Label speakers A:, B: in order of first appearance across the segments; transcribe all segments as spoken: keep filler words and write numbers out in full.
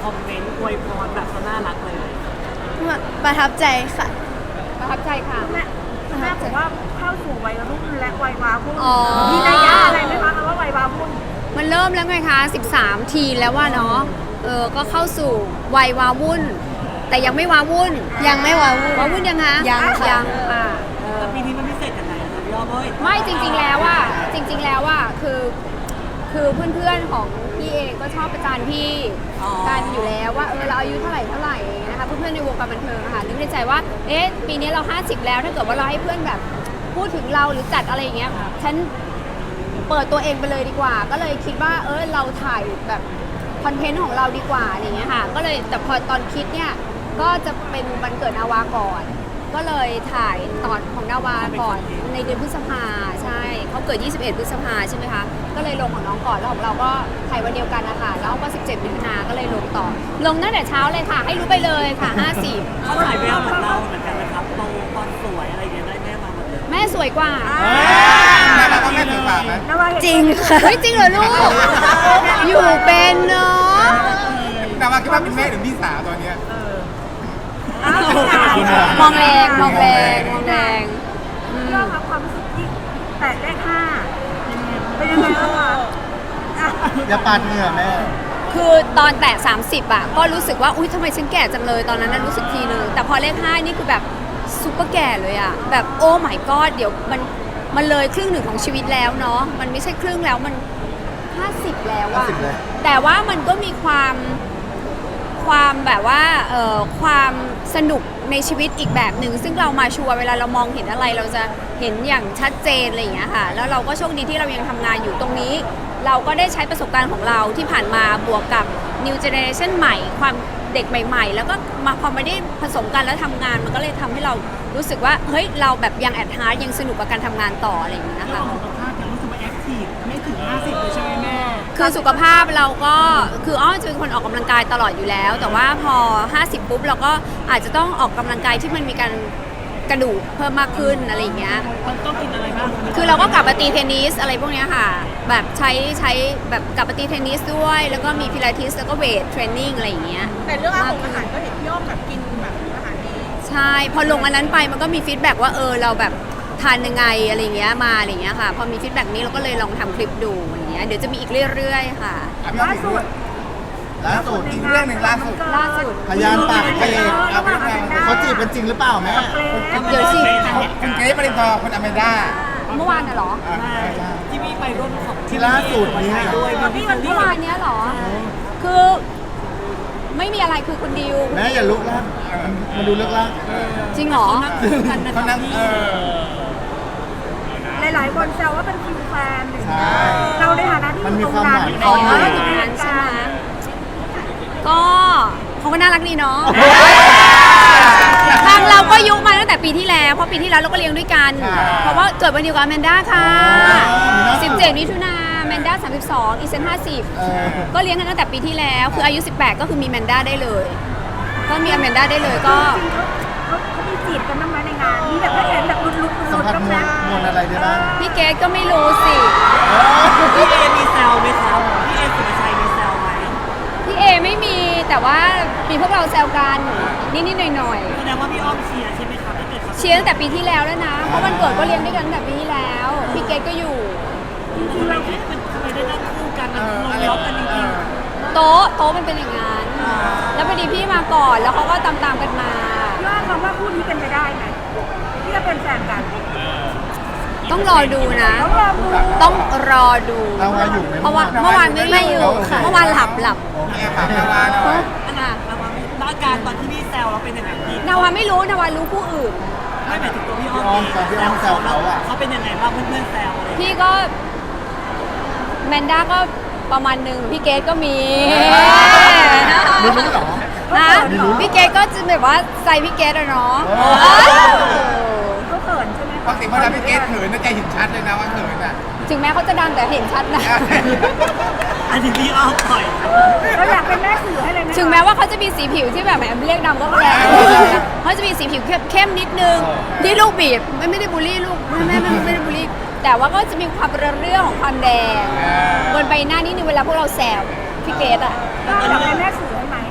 A: คอมเมนต์อวยพรแบบน่ารักเลย
B: ประทับใจค่ะ
C: ประทับใจค่ะ
D: แม่แม่บอกว่าเข้าสู่วัยรุ่นและวัยวาวุ่น
C: อ๋อ
D: มีนัยยะอะไรไหมคะคำว่าวัยวาวุ่น
C: มันเริ่มแล้วไงคะสิบสามทีแล้วว่าเนาะเออก็เข้าสู่วัยวาวุ่น แต่ยังไม่วาวุ่น
B: ยังไม่วาวุ่น
C: วาวุ่นยังคะ
B: ยังค่ะ
C: ยังอ่า
A: แต่ปีนี้มันพิเศษกันไหนครับพี่อ้อมเอ้ย
C: ไม่จริงๆแล้วว่าจริง ๆแล้วว่าคือคือเพื่อนๆของพี่เองก็ชอบประจานพี่กันอยู่แล้วว่าเออเราอายุเท่าไหร่เท่าไหร่นะคะเพื่อนๆในวงการบันเทิงอะค่ะนึกในใจว่าเอ๊ะปีนี้เราห้าสิบแล้วถ้าเกิดว่าเราให้เพื่อนแบบพูดถึงเราหรือจัดอะไรอย่างเงี้ยฉันเปิดตัวเองไปเลยดีกว่า ก็เลยคิดว่าเออเราถ่ายแบบคอนเทนต์ของเราดีกว่าอะไรอย่างเงี้ยค่ะก็เลยแต่พอตอนคิดเนี่ยก็จะเป็นวันเกิดนาวาก่อน ก็เลยถ่ายตอนของนาวาก่อนในเดือนพฤษภาใช่เขาเกิดยี่สิบเอ็ดพฤษภาใช่ไหมคะก็เลยลงของน้องก่อนแล้วของเราก็ถ่ายวันเดียวกันนะคะแล้วก็สิบเจ็ดมิถุนาก็เลยลงต่อ ลงตั้งแต่เช้าเลยค่ะ ให้รู้ไปเลยค่ะห้าสิบ
A: เขาถ่ายแววเหมือนเราเหมือนกันนะครับโตตอนสวยอะไรอย่างเงี้ยได้แม่มาหมดเลย
C: แม่สวยกว่า
E: แม่ว่าแม่ถือปากไหม
D: นาวาเห็น
B: จริงค่ะ
C: เฮ้ยจริงเหรอลูก อยู่เป็นเนาะ
E: แต่ว่าคิดว่าเป็นแม่หรือพี่สาวตอนเนี้ย
D: อ้าว
C: มองแรงมองแรงมองแรงอืม
D: เรื่องความรู้สึกที่แตะเลขห้าเป็นยังไงบ้างคะอ่ะ
E: อย่าปาดเหงื่อแม่
C: คือตอนแตะสามสิบอะก็รู้สึกว่าอุ๊ยทำไมฉันแก่จังเลยตอนนั้นน่ะรู้สึกทีนึงแต่พอเลขห้านี่คือแบบซุปเปอร์แก่เลยอะแบบโอ้ my god เดี๋ยวมันมันเลยครึ่งหนึ่งของชีวิตแล้วเนาะมันไม่ใช่ครึ่งแล้วมันห้าสิบแล้วอะ
E: ห้าสิบแล้ว
C: แต่ว่ามันก็มีความความแบบว่าเอ่อความสนุกในชีวิตอีกแบบหนึ่งซึ่งเรามาชัวร์เวลาเรามองเห็นอะไรเราจะเห็นอย่างชัดเจนอะไรอย่างเงี้ยค่ะแล้วเราก็โชคดีที่เรายังทำงานอยู่ตรงนี้ เราก็ได้ใช้ประสบการณ์ของเราที่ผ่านมาบวกกับ new generation ใหม่ ความเด็กใหม่ ๆ แล้วก็มาพอไม่ได้ผสมกันแล้วทำงานมันก็เลยทำให้เรารู้สึกว่าเฮ้ยเราแบบยังแอดฮาร์ดยังสนุกกับการทำงานต่ออะไรอย่างเงี้ยค่ะ
A: สุขภาพยังรู้สึกว่าแอคทีฟไม่ถึงห้าสิบเลยใช่ไหมแม่
C: คือสุขภาพเราก็คืออ้อจะเป็นคนออกกำลังกายตลอดอยู่แล้ว แต่ว่าพอห้าสิบปุ๊บเราก็อาจจะต้องออกกำลังกายที่มันมีการกระดูกเพิ่มมากขึ้นอะไรอย่างเงี้ย
A: มันต้องกินอะไรบ้าง
C: คือเราก็กลับมาตีเทนนิสอะไรพวกเนี้ยค่ะ แบบใช้ใช้แบบกลับมาตีเทนนิสด้วย แล้วก็มีพิลาทิสแล้วก็เวทเทรนนิ่งอะไรอย่างเงี้ย
D: แต่เรื่องอาหารอาหารก็เห็นพี่อ้อมแบบกินแบบอาหารดี
C: ใช่ พอลงอันนั้นไปมันก็มีฟีดแบ็กว่าเออเราแบบทานยังไงอะไรอย่างเงี้ยมาอะไรอย่างเงี้ยค่ะ พอมีฟีดแบ็กนี้เราก็เลยลองทำคลิปดูอย่างเงี้ย เดี๋ยวจะมีอีกเรื่อยๆค่ะ
E: ล่าสุดล่าสุดอีกเรื่องหนึ่งล่าสุด
C: ล่าสุด
E: พยานปากเกย์เอาไปยังไงเขาจีบกันจริงหรือเปล่าแม่
C: เดี๋ยวสิ
E: คุณเกรซปรินทร์คุณอเมด้า
C: เมื่อวานน่ะเหรอ
E: อ่ะ
A: ที่พี่ไปร่วมของ
E: ที่ล่าสุดเนี่ย
A: ด้วยมีพี่คน
C: เมื่
A: ที่
C: อวานเนี้ยเหรอ คือไม่มีอะไรคือคุณดิว
E: แม่อย่าลุกแล้วมันดูเลิกแล้ว
C: จริงเหรอ
E: เขานั่งเออ
D: หลายๆคนแซวว่าเป็นคิวแฟนหรือ
E: ใช่
D: เราในฐานะที่อยู่ตรงนั้น
E: มันมี
C: อ๋อ
E: ความหมาย
C: อยู่ในนั้นใช่ไหมก็เขาก็น่ารักดีเนาะ ทางเราก็ยุมาตั้งแต่ปีที่แล้ว เพราะปีที่แล้วเราก็เลี้ยงด้วยกัน
E: ค่ะ
C: เพราะว่าเกิดวันเดียวกับแมนด้าค่ะ
E: อ๋อ
C: สิบเจ็ดมิถุนาแมนด้าสามสิบสองอีเซนห้าสิบ
E: เออ
C: ก็เลี้ยงกันตั้งแต่ปีที่แล้ว คืออายุสิบแปดก็คือมีแมนด้าได้เลย ก็มีแมนด้าได้เลยก็
D: เขาเขามีจีบกันบ้างไหมในงานมีแบบไม่เห็นแบบลุ้นๆ
E: สัม
D: ลุ้น
E: ผัส
D: ๆบ้าง
E: มวล
D: นะ
E: มวลอะไรได้บ้าง
C: พี่เกดก็ไม่รู้สิ
A: พี่เอมีแซวไหมครับพี่เอสุภาชัยมีแซวไหม
C: พี่เอไม่มีแต่ว่ามีพวกเราแซวกันนิดๆหน่อย
A: แสดงว่าพี่อ้อมเชียร์ใช่ไหมครับถ้าเกิดเขา
C: ๆเชียร์ตั้งแต่ปีที่แล้วแล้วนะ เพราะวันเกิดก็เลี้ยงด้วยกันตั้งแต่ปีที่แล้ว พี่เกดก็อยู่
A: จริงๆเราคิดเป็นทำไมได้นั่งคู่กันนะลงล็อกกันจริงๆ
C: โต๊ะโต๊ะมันเป็นอย่างนั้น แล้วพอดีพี่มาก่อนแล้วเขาก็ตามตามๆกันมา
D: พี่ว่าคำว่าคู่นี้เป็นไปได้ไหมที่จะเป็นแฟนกัน
C: ต้องรอดูนะ
D: ต้องลองดู
C: ต้องรอดู
E: เรามาอยู่ไหม
C: เพราะว่าเมื่อวานไม่ได้อยู่ค่ะเมื่อวานหลับหลับ
E: โอเคค่ะนาวาหน่อย
A: อันน่ะเรามาแล้วอาการตอนที่พี่แซวเราเป็นยังไงพี่
C: นาวาไม่รู้นาวารู้ผู้อื่น
A: ไม่หมายถึงตัวพี่อ้อม
E: พี่อ้อมตอนพี่อ้อมแซวเขาอะ
A: เขาเป็นยังไงบ้างเพื่อนๆแซวอะไร
C: พี่ก็แมนด้าก็ประมาณหนึ่งพี่เกดก็มี
E: รู้รู้เหรอ
C: นะพี่เกดก็จะแบบว่าใจพี่เกดอะเนาะ
E: โอ้
D: เขาเขินใช่ไหม
E: ปกติเวลาพี่เกรซเขินน่าจะเห็นชัดเลยนะว่าเขินอ่ะ
C: ถึงแม้เขาจะดังแต่เห็นชัดนะ
A: อันนี้พี่อ้อมปล่อย
D: เราอยากเป็นแม่สื่อให้เลยไหมคะ
C: ถึงแม้ว่าเขาจะมีสีผิวที่แบบแหมเรียกดำก็แรงเขาจะมีสีผิวเข้มๆนิดนึงที่ลูกบีบไม่ไม่ได้บูลลี่ลูกไม่ไม่ไม่ไม่ได้บูลลี่แต่ว่าก็จะมีความเรื่องของความแดงบนใบหน้านิดนึงเวลาพวกเราแซวพี่เกดอ่ะ
D: เราอยากเป็นแม่สื่อให้ไหม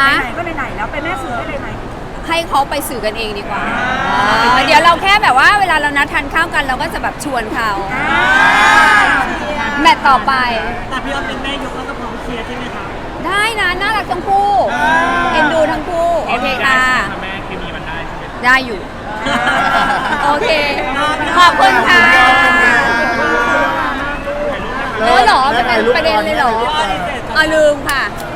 C: ฮะ
D: ไหนๆก็ไหนๆแล้วไปแม่สื่อได้เลยไหม
C: ให้เขาไปสื่อกันเองดีกว่าเออเดี๋ยวเราแค่แบบว่าเวลาเรานัดทานข้าวกันเราก็จะแบบชวนเขาแมตต์ต่อไป
A: แต่พี่อ้อมเป็นแม่ยกแล้วก็พร้อมเคลียร์ใช่ไหมคะ
C: ได้นะน่ารักทั้งคู่เอ็นดูทั้งคู่โอเคค่ะ
F: แม่เคมีมันได้ใช่ไหม
C: ได้อยู่ โอเค ขอบคุณค่ะเออเหรอเป็นประเด็นเลยเหรออ่ะลืมค่ะ